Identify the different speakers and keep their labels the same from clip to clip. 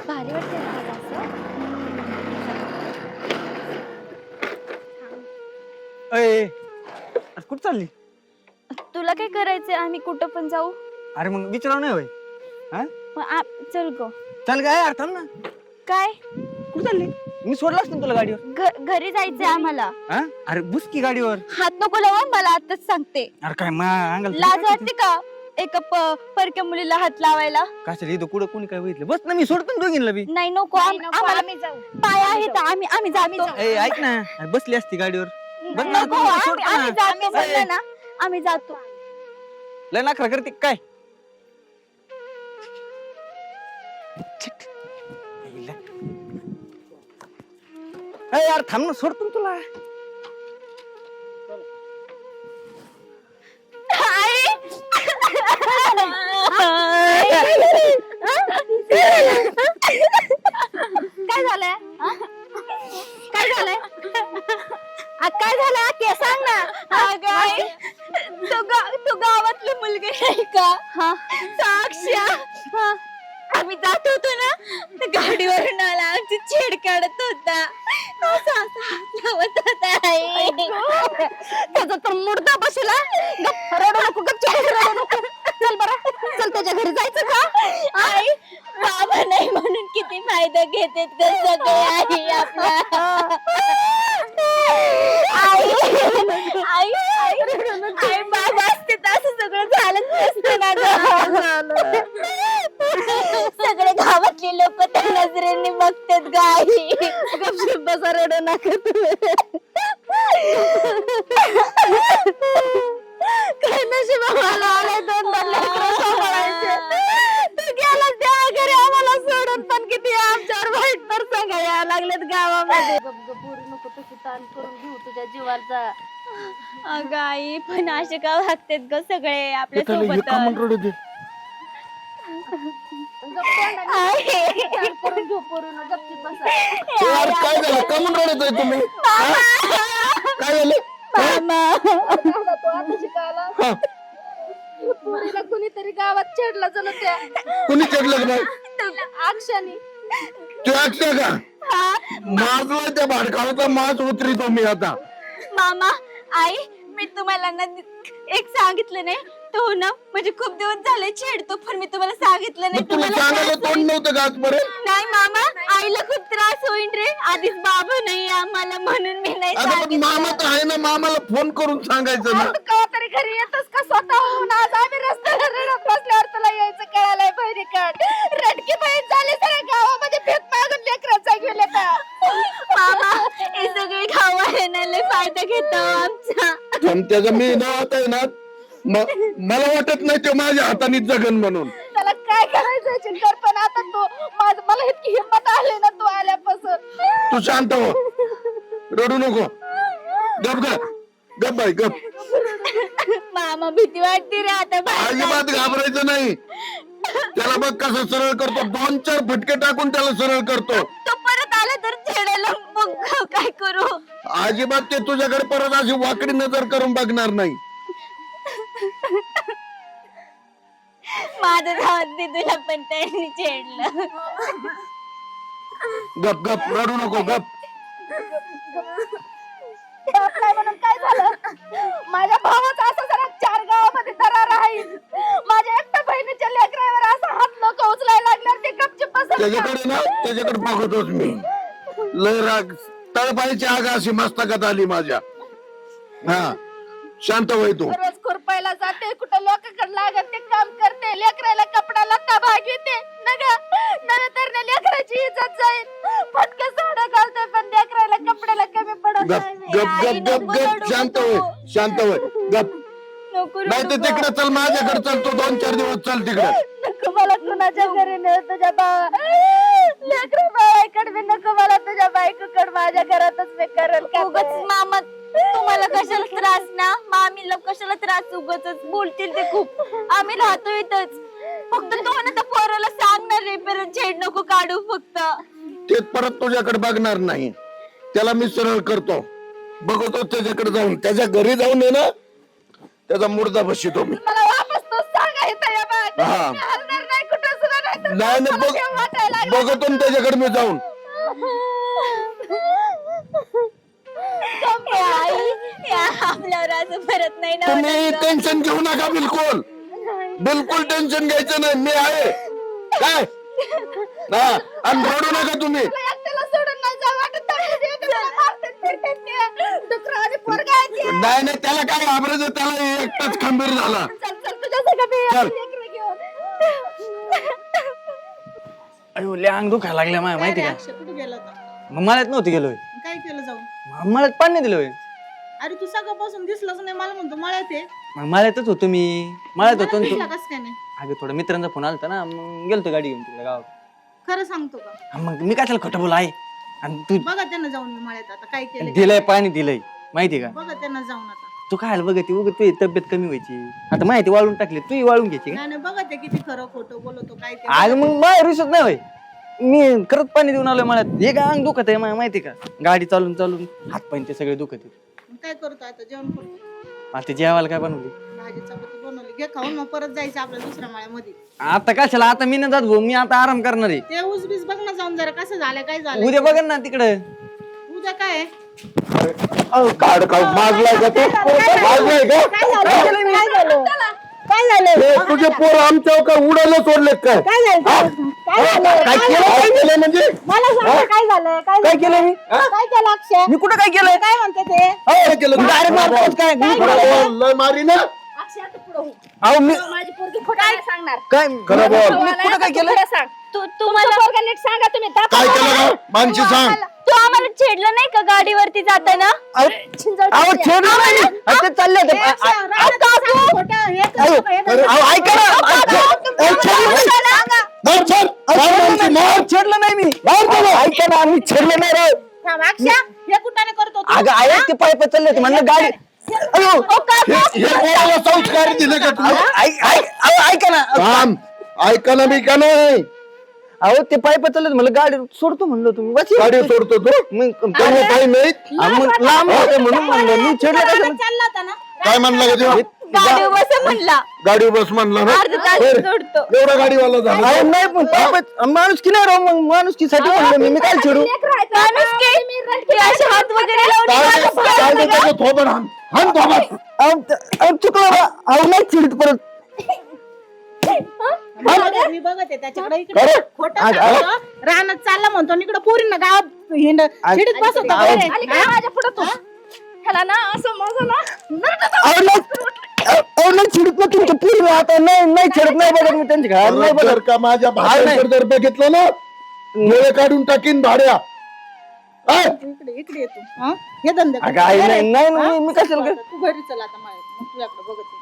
Speaker 1: भारी वाटते ना मला असं.
Speaker 2: अय अरे कुठं चालली?
Speaker 1: तुला काय करायचंय? आम्ही कुठं पण जाऊ.
Speaker 2: अरे मग विचारावं नाही होय? हा
Speaker 1: चल गो.
Speaker 2: चल काय यार, थांब ना.
Speaker 1: काय
Speaker 2: कुठं चालली? मी सोडलं असतं तुला गाडीवर.
Speaker 1: घरी जायचंय आम्हाला.
Speaker 2: हा अरे बुस की गाडीवर.
Speaker 1: हात नको लावा मला, आताच सांगते.
Speaker 2: अरे काय अंगाला
Speaker 1: लाज वाटते का एका परक्या मुलीला हात लावायला?
Speaker 2: कशाला इथं कुठं कोणी काय बघितलं? बस ना, मी सोडतो ना दोघींना बी.
Speaker 1: नाही नको, आम्हाला पाय आहेत, आम्ही जातो.
Speaker 2: ए ऐक ना, अरे बसली असती गाडीवर. बस ना,
Speaker 1: नको,
Speaker 2: तू सोड ना.
Speaker 1: आम्ही जातो म्हणलं ना, आम्ही जातो.
Speaker 2: लय नखरा करते काय? ए यार थांब ना, सोडतो ना तुला.
Speaker 1: काय झालंय? काय झालंय? काय झालं ते सांग ना. तू गावातली मुलगी नाही का? साक्षा. आम्ही जात होतो ना, गाडीवरून आला, आमची छेड काढत होता, लावत होता. त्याचा तर मुर्दा बसला. रडू नको, रडू नको. चल बरं, चल त्याच्या घरी जायचं का? आई बाबा नाही म्हणून किती फायदा घेतात का सगळे आई आपला. आई आई आई बाबा असते तर असं सगळं झालंच नसतं ना ग. सगळे गावातले लोक त्या नजरेने बघतात ग आई. बसा रडू नका तुम्ही. काय नशीब आम्हाला आलंय, दोन लेकरं सांभाळायचे. तू गेलास त्या घरी आम्हाला सोडून, पण किती आमच्यावर वाईट प्रसंग यायला लागलेत गावामध्ये.
Speaker 3: पोरी नको तशी ताण करून घेऊ तुझ्या जीवाचा.
Speaker 1: अगं आई, पण असे का वागतात ग सगळे आपल्या सोबत?
Speaker 3: करून घेऊ पोरीनं, गपचीप बसा.
Speaker 4: काय झालं? का म्हणून रडत आहे तुम्ही? काय झालं?
Speaker 3: तो आता शिकायला पोरीला कुणीतरी गावात छेडला जणू त्या
Speaker 4: कुणी चढलं नाही?
Speaker 3: अक्षानी.
Speaker 4: तू अक्षय का? माझला त्या भाडकावाचा मास उतरितो मी आता.
Speaker 1: मामा, आई, मी तुम्हाला ना एक सांगितलं नाही तो ना, म्हणजे खूप दिवस झाले छेडतो, पण मी तुम्हाला सांगितलं नाही.
Speaker 4: तुला सांगायला तोंड नव्हतं का आजपर्यंत?
Speaker 1: नाही मामा, आईला खूप त्रास होईल रे. आधीच बाबा नाही आम्हाला, म्हणून मी नाही
Speaker 4: अगं पण
Speaker 1: सांगितलं.
Speaker 4: मामा तर आहे ना, मामाला फोन करून सांगायचं ना.
Speaker 3: तू कवा तरी घरी येतस का स्वतःहून? आज आम्ही रस्त्याला रडत बसल्यावर तुला यायचं कळालंय. बहिणी काढ रडकी बहीण झाली, सगळ्या गावामध्ये भेट मागून लेकराचा गेले तर.
Speaker 1: मामा, हे सगळे गावाला लय फायदा घेतो आमचा.
Speaker 4: पण त्याचं मी ना आता आहे ना, मला वाटत नाही तो माझ्या हाताने जगन म्हणून.
Speaker 3: त्याला काय करायचं चिंतर, पण आता तू मला इतकी हिंमत आली ना तू आल्यापासून.
Speaker 4: तू शांत हो, रडू नको. गप गप गप बाई गप.
Speaker 1: मामा, भीती वाटते रे आता बाहेर
Speaker 4: अजिबात घाबरायचं नाही. त्याला बघ कसं सरळ करतो, 2-4 फटके टाकून त्याला सरळ करतो.
Speaker 1: तो परत आला तर छेडायला, मग काय करू?
Speaker 4: अजिबात ते तुझ्याकडे परत अशी वाकडी नजर करून बघणार नाही.
Speaker 1: माझं धावते तुला पण त्यांनी छेडलं.
Speaker 4: गप गप रडू नको गप.
Speaker 3: बाप नाही म्हणून काय झालं? माझ्या भावाचा असं जरा 4 गावामध्ये दरार आहे. माझ्या एकट्या बहिणीच्या लेकरावर असा हात लोक उचलायला लागल्यावर ते गपचूप बसत.
Speaker 4: त्याच्याकडे ना, त्याच्याकडे बघतोच मी. लय राग, तळपायची आग अशी मस्तकात आली माझ्या. हा शांत होय तू.
Speaker 3: रोज खुरपायला जाते, कुठं लोकांकडे लागत ते काम करते, लेकराला कपडा लत्ता भागविते. नव्या तर लेकराची इज्जत जाईल. फटके साडा घालते, पण लेकराला कपड्याला कमी पडत
Speaker 4: गप
Speaker 3: नाही.
Speaker 4: गप गप गप गप शांत होय, शांत होय गप.
Speaker 1: नको
Speaker 4: नाही तर तिकडे चल, माझ्याकडे चल. तू 2-4 दिवस चल तिकडे.
Speaker 3: नको मला कुणाच्या घरी नाही, तुझ्या लेकरा बाळाकडे बी नको मला, तुझ्या बायकोकडे माझ्या घरातच मी करेल.
Speaker 1: उगाच मामा, तुम्हाला कशाला त्रास ना, मामीला कशाला त्रास? उगाच बोलतील ते खूप. आम्ही राहतो इथंच. फक्त तो ना त्या पोराला सांगणार रे, परत छेड नको काढू फक्त.
Speaker 4: ते परत तुझ्याकडे बघणार नाही. त्याला मी सरळ करतो, बघतो त्याच्याकडे जाऊन, त्याच्या घरी जाऊन आहे ना, त्याचा मुर्दा बसतो मी.
Speaker 3: मला वापस तो सांगा इथं या बाय.
Speaker 4: हा.
Speaker 3: मी हलणार नाही कुठं सुद्धा नाही.
Speaker 4: नाही नाही, बघतो ना त्याच्याकडे मी जाऊन.
Speaker 1: आपल्यावर असं परत नाही ना
Speaker 4: तुम्ही टेन्शन घेऊ नका, बिलकुल बिलकुल टेन्शन घ्यायचं नाही, मी आहे काय. हा, आणि रडू नका तुम्ही.
Speaker 3: एकट्याला सोडून नाही जाऊ वाटत. एकट्याला मारतात, फिरतात ते. डुकरं आणि पोरगं आहे ते.
Speaker 4: नाही नाही, त्याला काय घाबरायचं, त्याला एकटाच खंबीर झाला.
Speaker 3: चल चल तुझ्या सगळं मी
Speaker 4: चल.
Speaker 3: लेकरं घेऊन.
Speaker 2: अयो लय अंग दुखायला लागल्या माया माहिती का.
Speaker 5: अक्षय कुठे गेला होता?
Speaker 2: मग मळ्यात नव्हती गेलोय.
Speaker 5: काय केलं जाऊन?
Speaker 2: मळ्यात पाणी नाही दिलोय.
Speaker 5: अरे तू सकाळपासून दिसलाच नाही, मला म्हणतो मळ्यात आहे.
Speaker 2: मग मळ्यातच होतो मी. मळ्यात होतो ना
Speaker 5: दिसला
Speaker 2: तू.
Speaker 5: कस काय नाही?
Speaker 2: अगं थोडा मित्रांचा फोन आलता ना, मग गेलतो गाडी घेऊन तिकडे गावात.
Speaker 5: खरं सांगतो का?
Speaker 2: हा, मग मी काय त्याला खोटं बोल आहे. आणि तू
Speaker 5: बघा त्यांना जाऊन मी मळ्यात आता काय केलं.
Speaker 2: दिलंय पाणी दिलंय माहिती का.
Speaker 5: बघा त्यांना जाऊन आता.
Speaker 2: तू काय बघते उगत तुझी तब्येत कमी व्हायची. आता माहिती वाळून टाकली, तू वाळून घ्यायची का.
Speaker 5: नाही नाही, बघा ते किती खरं खोटं बोलतो काय ते.
Speaker 2: आज मग माझ्या रिसत नाही होय. मी खरंच पाणी देऊन आलोय मळ्यात. हे काय अंग दुखत आहे माहिती का. गाडी चालून चालून हात पाय ते सगळे दुखत आहे.
Speaker 5: मग काय करतो आता? जेवण करतो.
Speaker 2: आता जेवायला काय बनवली.
Speaker 5: भाजी चपाती बनवली, घे खाऊन, मग परत जायचं आपल्या दुसऱ्या मळ्यामध्ये.
Speaker 2: आता कशाला, आता मी नाही जात भाऊ, मी आता आराम करणार आहे.
Speaker 5: ते ऊस बीस बघ ना जाऊन जरा कसं झालं काय झालं.
Speaker 2: उद्या बघ ना तिकडे.
Speaker 5: उद्या काय आहे?
Speaker 4: काढ काढ, मागलाय का तू, मागलाय का.
Speaker 1: काय झालं
Speaker 4: हे तुझे पोर आमच्या का उडायला सोडले काय. काय केलं म्हणजे.
Speaker 1: मला सांगा काय झालं
Speaker 2: काय केलं मी.
Speaker 1: काय केलं अक्षय
Speaker 2: मी कुठं काय केलंय.
Speaker 1: काय म्हणते ते
Speaker 4: काय केलं तू?
Speaker 2: अरे मारतोच काय.
Speaker 4: लय मारी ना.
Speaker 3: अक्षय आता पुढं हो.
Speaker 2: अहो मी
Speaker 3: माझी पोरगी खोटं नाही सांगणार.
Speaker 2: काय
Speaker 4: खरं बोल.
Speaker 2: मी कुठं काय केलं.
Speaker 3: खरं सांग. तुमचं पोरगं नीट सांगा तुम्ही. दाखवा
Speaker 4: काय केलं
Speaker 3: मला.
Speaker 4: का मानशी सांग.
Speaker 1: तू आम्हाला छेडलं नाही का गाडीवरती जाताना
Speaker 2: अहो छेडलं नाही मी. अहो, ते चालले होते.
Speaker 5: खोटं हे करतो का? हे करतो का?
Speaker 2: अहो ऐका ना. अहो, छेडलं नाही.
Speaker 4: मार, छान. मार, मानशी, मार.
Speaker 2: छेडलं नाही मी. ऐका ना, आम्ही छेडलं नाही रे.
Speaker 5: थांब, अक्षय, हे कुठाने करतो तू?
Speaker 2: अगं आहे ते पाय चालले होते म्हणलं गाडी. अयो
Speaker 4: हे पोराला संस्कार दिले का तू.
Speaker 2: ऐका ना.
Speaker 4: थांब, ऐका ना मी का नाही.
Speaker 2: अहो ते पाय चालले होते म्हणलं गाडी सोडतो म्हणलं तुम्ही बस.
Speaker 4: गाडी सोडतो तू.
Speaker 2: मग
Speaker 4: त्यामुळे काही नाही.
Speaker 2: मग लांब होते म्हणून म्हणलं मी छेडलं
Speaker 5: रानात
Speaker 2: कसं.
Speaker 5: चालला होता ना?
Speaker 4: काय म्हणला का तेव्हा.
Speaker 1: गाडी बस म्हणला
Speaker 4: गाडी बस म्हणला ना.
Speaker 1: अर्ध तास
Speaker 4: बरं.
Speaker 1: सोडतो
Speaker 4: एवढा गाडीवाला झाला.
Speaker 2: अहो नाही पण माणूस की नाही राव. मग माणुसकीसाठी म्हणलं मी काय छेडू.
Speaker 3: लेकरं आहेत ना.
Speaker 1: माणूस की असे हात वगैरे लावून
Speaker 4: काय ते- काय ते त्याचं थोबड हाण. हाण थोबड.
Speaker 2: अहो चुकलं बा. अहो नाही छेडत परत.
Speaker 5: मी बघते त्याच्याकडे इकडे
Speaker 4: खरं?
Speaker 5: खोटं सांगतो. रानात चालला म्हणतो आणि इकडे पोरींना गावात हिंड शिडीत बसवतो.
Speaker 3: आली काय माझ्या पुढं तू. ह्याला ना असं माझं ना
Speaker 2: अहो नाही छेडत ना तुमच्या पूर्ण. आता नाही छेडत नाही बघत मी त्यांच्या घरात नाही
Speaker 4: जर
Speaker 2: बघत.
Speaker 4: का माझ्या भाड्यावर जर बघितलं ना, वेळ काढून टाकीन भाड्या. हा?
Speaker 5: इकडे इकडे येतो. हा? हे धंदे कर.
Speaker 2: अगं आई नाही नाही
Speaker 5: हा?
Speaker 2: मी कशाला काय.
Speaker 5: तू घरी चल आता माझ्या, मग तुझ्याकडे बघते.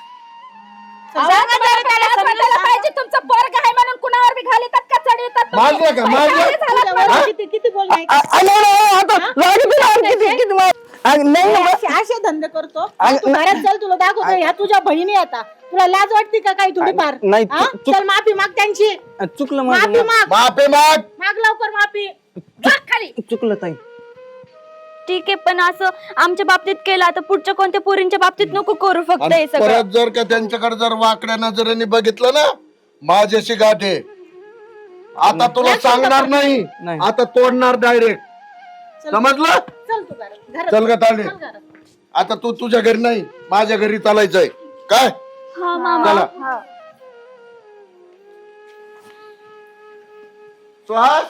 Speaker 3: त्याला पाहिजे तुमचं पोरग आहे म्हणून कुणावर बी घालितात का चढवितात तुम्ही?
Speaker 4: मारलं का मारलं.
Speaker 5: तुझ्यावर किती किती बोल नाही.
Speaker 2: आता लागत नाही. किती नाही ना.
Speaker 5: असे धंदे करतो. तू घरात चल, तुला दाखवतो. ह्या तुझ्या बहिणी आता तुला लाज वाटते का काही थोडीफार.
Speaker 2: नाही,
Speaker 5: हा? चल माफी माग त्यांची.
Speaker 2: चुकलं
Speaker 5: माफी
Speaker 2: माझं.
Speaker 5: माग.
Speaker 4: बापे माग.
Speaker 5: माग लवकर माफी.
Speaker 3: खाली
Speaker 2: चुकलं ताई.
Speaker 1: ठीक आहे पण असं आमच्या बाबतीत केलं आता पुढच्या कोणत्या पोरींच्या बाबतीत नको करू फक्त
Speaker 4: आणि
Speaker 1: हे सगळं
Speaker 4: परत जर का त्यांच्याकडे जर वाकड्या नजरेने बघितलं ना, माझ्याशी गाठे. आता तुला सांगणार नाही,
Speaker 2: नाही.
Speaker 4: आता तोडणार डायरेक्ट. समजलं.
Speaker 5: चल तू घरात.
Speaker 4: चल का तांडे.
Speaker 5: चल घरात.
Speaker 4: आता तू तुझ्या घरी नाही, माझ्या घरी चालायचंय काय.
Speaker 1: हा मामा
Speaker 4: चला.
Speaker 1: हा.
Speaker 4: सुहास,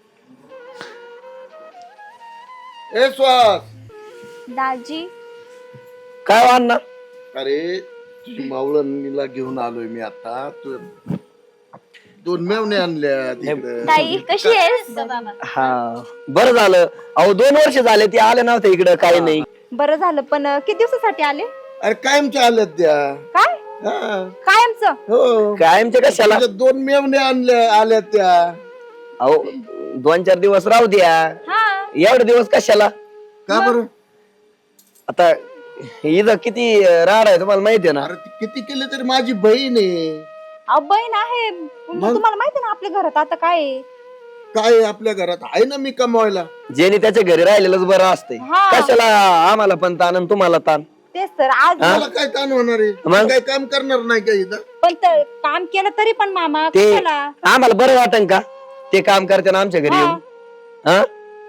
Speaker 4: ए सुहास.
Speaker 1: दाजी
Speaker 2: काय वाढणार.
Speaker 4: अरे तुझी मावळणीला घेऊन आलोय मी आता. तू 2 मेवणे आणल्या तिकडे.
Speaker 1: ताई कशी आहेस
Speaker 2: हा बरं झालं. अहो 2 वर्ष झाले ते आले नव्हते इकडं. काही नाही.
Speaker 1: बरं झालं पण किती दिवसासाठी आले
Speaker 4: अरे कायमच्या आल्यात त्या.
Speaker 1: काय
Speaker 4: हा.
Speaker 1: कायमचं
Speaker 4: हो.
Speaker 2: कायमचे कशाला.
Speaker 4: तुझ्या 2 मेवणे आल्यात त्या.
Speaker 2: अहो 2-4 दिवस राहू द्या.
Speaker 1: हा
Speaker 2: एवढे दिवस कशाला.
Speaker 4: का बरं.
Speaker 2: आता इथं किती राहणार आहे तुम्हाला माहिती आहे ना.
Speaker 4: अरे ती किती केले तरी माझी बहीण आहे.
Speaker 1: बहीण आहे तुम्हाला माहिती ना आपल्या घरात आता काय आहे?
Speaker 4: काय आहे आपल्या घरात आहे ना मी कमवायला.
Speaker 2: ज्याने त्याच्या घरी राहिलेलंच बरं असतंय.
Speaker 1: हा.
Speaker 2: कशाला आम्हाला पण ताण आणि तुम्हाला ताण.
Speaker 1: तेच तर आज
Speaker 4: मला काय ताण होणार आहे
Speaker 6: मग?
Speaker 4: काय काम करणार नाही का इथं
Speaker 1: पण काम केलं तरी पण मामा
Speaker 6: ते
Speaker 1: कशाला
Speaker 6: आम्हाला बरं वाटन का ते काम करते ना आमच्या घरी येऊन हा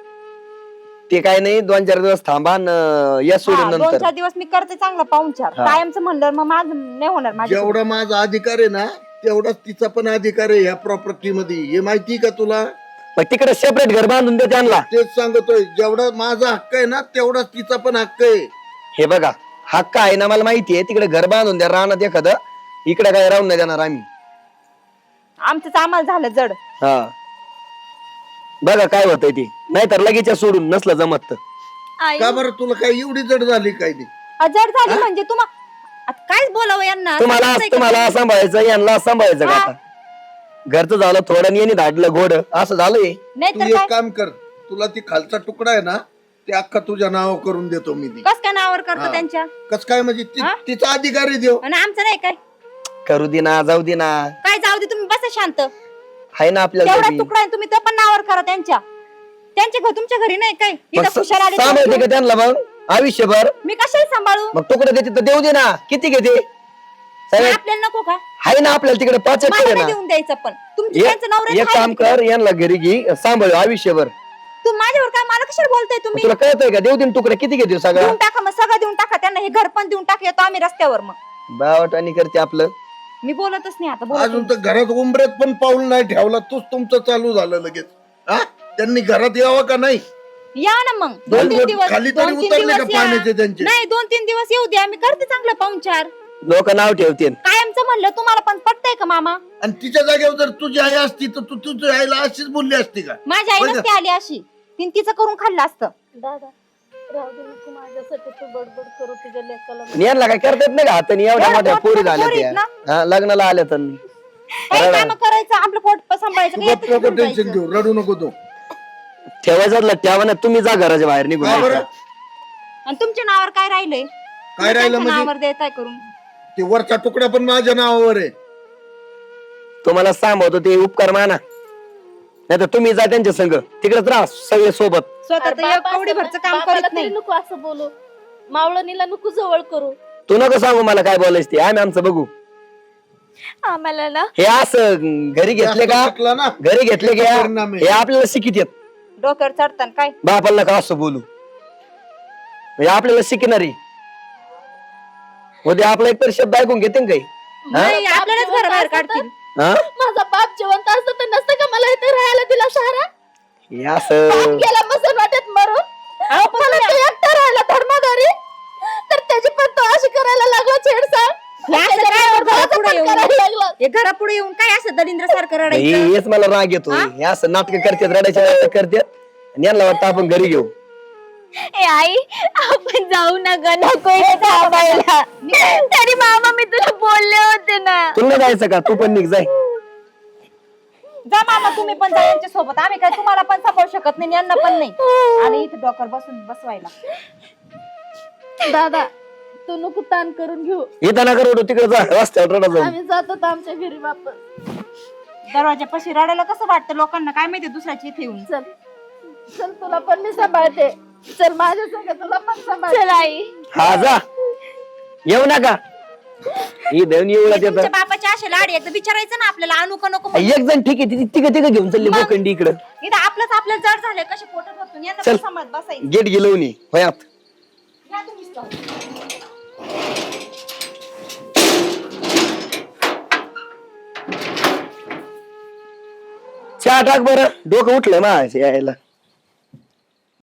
Speaker 6: ते काय नाही 2-4 दिवस थांबा या सोडून नंतर
Speaker 1: 2-4 दिवस मी करते चांगला पाहुणचार
Speaker 6: हा.
Speaker 1: कायमचं म्हणलं मग माझं नाही होणार माझ्या
Speaker 4: जेवढा माझा अधिकार आहे ना तेवढाच तिचा पण अधिकार आहे ह्या प्रॉपर्टी मध्ये हे माहिती का तुला
Speaker 6: मग तिकडे सेपरेट घर बांधून दे त्यांना
Speaker 4: तेच सांगतोय जेवढा माझा हक्क आहे ना तेवढाच तिचा पण हक्क आहे
Speaker 6: हे बघा हक्क आहे ना मला माहितीये तिकडे घर बांधून द्या राहणार एखादं इकडे काय राहून नाही देणार आम्ही
Speaker 1: आमचंच आम्हाला झालं जड
Speaker 6: हा बघा काय होतंय ते नाहीतर लगेच सोडून नसलं जमत तर.
Speaker 1: आई
Speaker 4: का बरं तुला काय एवढी जड झाली काय ती
Speaker 1: जड झाली म्हणजे आता कायच बोलावं यांना
Speaker 6: तुम्हाला
Speaker 1: समजतंय का?
Speaker 6: तुम्हाला सांभाळायचं यांना सांभाळायचं का
Speaker 1: हा.
Speaker 6: आता घरचं झालं थोडं येणे धाडलं घोड असं झालंय
Speaker 1: नाही
Speaker 4: तू
Speaker 1: तर
Speaker 4: एक
Speaker 1: काय
Speaker 4: काम कर तुला ती खालचा तुकडा आहे ना ते अख्खा तुझ्या नावावर करून देतो मी ती
Speaker 1: कस काय नावावर करतो
Speaker 4: हा.
Speaker 1: त्यांच्या
Speaker 4: कस काय म्हणजे
Speaker 1: हा?
Speaker 4: तिचा अधिकार आहे देव
Speaker 1: आणि आमचं नाही काय
Speaker 6: करू दे ना जाऊ दे ना
Speaker 1: काय जाऊ दे तुम्ही बसा शांत
Speaker 6: आहे ना आपल्याला
Speaker 1: तेवढा
Speaker 6: घरी.
Speaker 1: तुकडा आहे तुम्ही तो पण नावावर करा त्यांच्या घर तुमच्या घरी नाही काय
Speaker 6: मग
Speaker 1: इथं खुशाल आले
Speaker 6: सांभाळते का
Speaker 1: तर-
Speaker 6: त्यांना मग आयुष्यभर
Speaker 1: मी कशाला सांभाळू
Speaker 6: मग तुकडे देते तर देऊ दे ना किती घेते सगळे
Speaker 1: आपल्याला नको का
Speaker 6: आहे ना आपल्याला तिकडे 5
Speaker 1: मला
Speaker 6: एकर आहे
Speaker 1: नाही
Speaker 6: ना
Speaker 1: देऊन द्यायचं पण तुमची त्यांचं नवऱ्याचं
Speaker 6: एक
Speaker 1: आहे
Speaker 6: काम
Speaker 1: तिकडे.
Speaker 6: कर यांना घरी घे सांभाळ आयुष्यभर
Speaker 1: तू माझ्यावर काय मला कशाला बोलताय तुम्ही
Speaker 6: तुला कळतंय का देऊ दे ना तुकडे किती घेते सगळं
Speaker 1: देऊन टाका मग सगळं देऊन टाका त्यांना हे घर पण देऊन टाका येतो आम्ही रस्त्यावर मग
Speaker 6: बावटानी करते आपलं
Speaker 1: मी बोलतच नाही आता बोलत
Speaker 4: अजून तर घरात उंबऱ्यात पण पाऊल नाही ठेवला तूच तुमचं चालू झालं लगेच हा त्यांनी घरात यावं का नाही
Speaker 1: या ना मग
Speaker 4: दोन
Speaker 1: 2-3
Speaker 4: बोट
Speaker 1: दिवस
Speaker 4: खाली तरी
Speaker 1: 2-3
Speaker 4: उतरले का
Speaker 1: दिवस या.
Speaker 4: पाण्याचे त्यांचे?
Speaker 1: नाही 2-3 दिवस येऊ द्या मी करते चांगलं पाहुणचार
Speaker 6: लोक नाव ठेवते
Speaker 1: कायमचं म्हणलं तुम्हाला पण पटतंय का मामा
Speaker 4: आणि तिच्या जागेवर जर तुझी आई असती तर तू तुझ्या आईला अशीच बोलली असती का
Speaker 1: माझ्या आई
Speaker 4: होय का?
Speaker 1: नसते आली अशी तिचं करून खाल्लं असतं
Speaker 3: दादा राहू दे नको माझ्यासाठी तू बडबड करू तुझ्या लेकाला
Speaker 6: यांना काय करता येत नाही का हाताने एवढ्या
Speaker 1: एवढ्या
Speaker 6: मोठ्या पोरी
Speaker 1: मोठ्या
Speaker 6: झाल्या
Speaker 1: पोरी
Speaker 6: त्या
Speaker 1: आहेत
Speaker 6: हा, लग्नाला आल्या तर
Speaker 1: काही काम करायचं आपलं पोट सांभाळायचं
Speaker 4: तू
Speaker 1: काय
Speaker 4: गप्प नको
Speaker 1: येतं
Speaker 4: टेन्शन
Speaker 1: जायचं.
Speaker 4: घेऊ रडू नको तू
Speaker 6: ठेवायचं ठेवा ना तुम्ही जा घराच्या बाहेर निघून
Speaker 4: का बरं?
Speaker 1: आणि तुमच्या नावावर काय राहिलंय
Speaker 4: काय राहिलं
Speaker 1: त्यांच्या
Speaker 4: म्हणजे
Speaker 1: नावावर देताय करून
Speaker 4: ते वरचा तुकडा पण माझ्या नावावर आहे
Speaker 6: तुम्हाला सांभाळतो ते उपकार माना नाही तर तुम्ही जा त्यांच्या संग तिकडेच राहा सगळे सोबत
Speaker 1: स्वतः
Speaker 3: अरे
Speaker 1: तर
Speaker 3: बाबा,
Speaker 1: एक कवडी भरचं काम
Speaker 3: बाबाला
Speaker 1: करत
Speaker 3: तरी
Speaker 1: नाही
Speaker 3: नको असं बोलू मावळणीला नको जवळ करू
Speaker 6: तू नको सांगू मला काय बोलायचं ते आम्ही आमचं बघू
Speaker 1: आम्हाला ना
Speaker 6: हे असं घरी घेतले का
Speaker 4: शिकला ना
Speaker 6: घरी घेतले का
Speaker 4: परिणाम आहे.
Speaker 6: हे आपल्याला शिकित येत
Speaker 1: डोक्यावर चढताना काय
Speaker 6: बापाला का असं बोलू म्हणजे आपल्याला शिकणारी उद्या आपला एक तर शब्द ऐकून घेते ना काही
Speaker 1: नाही आपल्यालाच घराबाहेर काढतील
Speaker 6: हा
Speaker 3: माझा बाप जिवंत असतं तर नसतं का मला इथे राहायला दिला शहरात
Speaker 6: हे असं
Speaker 3: बाप गेला मसन वाटत मरून मला ते एकटा राहायला धर्मादारी तर त्याची पण तो अशी करायला लागला छेडछाड
Speaker 1: हे असं काय हो घरापुढे येऊन
Speaker 3: करायला लागला
Speaker 1: हे घरापुढे येऊन काय असं दलिंद्र सारखं
Speaker 6: हे-
Speaker 1: रडायचं
Speaker 6: हेच मला राग येतो हे असं नाटक करतात रडायचे नाटक करतात आणि यांना वाटतं आपण घरी घेऊ
Speaker 1: ए आई आपण जाऊ नका नको इथे थांबायला तरी मामा मी तुला बोलले होते ना
Speaker 6: तुला नाही जायचं का तू पण निघ जाय
Speaker 1: जा मामा तुम्ही पण जा यांच्या सोबत आम्ही काय तुम्हाला पण सांभाळू शकत नाही यांना पण नाही आणि इथे डोकर बसून बसवायला
Speaker 3: दादा तू नको ताण करून घेऊ
Speaker 6: इथं नका रडू तिकडे जा रस्त्यावर रडा जाऊ
Speaker 3: आम्ही जातो तर आमच्या घरी वापस
Speaker 1: दरवाजापाशी रडायला कसं वाटतं लोकांना काय माहिती दुसऱ्याची इथे येऊन
Speaker 3: चल चल तुला पण मी सांभाळते चल माझ्या संग तुला पण सांभाळते
Speaker 1: चल आई
Speaker 6: हा जा येऊ नका ही देऊन येऊ
Speaker 1: तुमच्या
Speaker 6: येत
Speaker 1: बापाच्या अशा लाडी एकदा विचारायचं ना आपल्याला आणू का नको म्हणून.
Speaker 6: एक जण ठीक आहे तिघ घेऊन चालली
Speaker 1: मग?
Speaker 6: बोकंडी इकडं
Speaker 1: इथं आपलंच आपलं जड झालंय कसे पोटात बसून यांना
Speaker 6: चल.
Speaker 1: पण सांभाळत बसायचं
Speaker 6: गेट गेलो नी होय आत
Speaker 1: या तुम्हीच जाऊन.
Speaker 6: चहा टाक बरं डोकं उठलंय मा यायला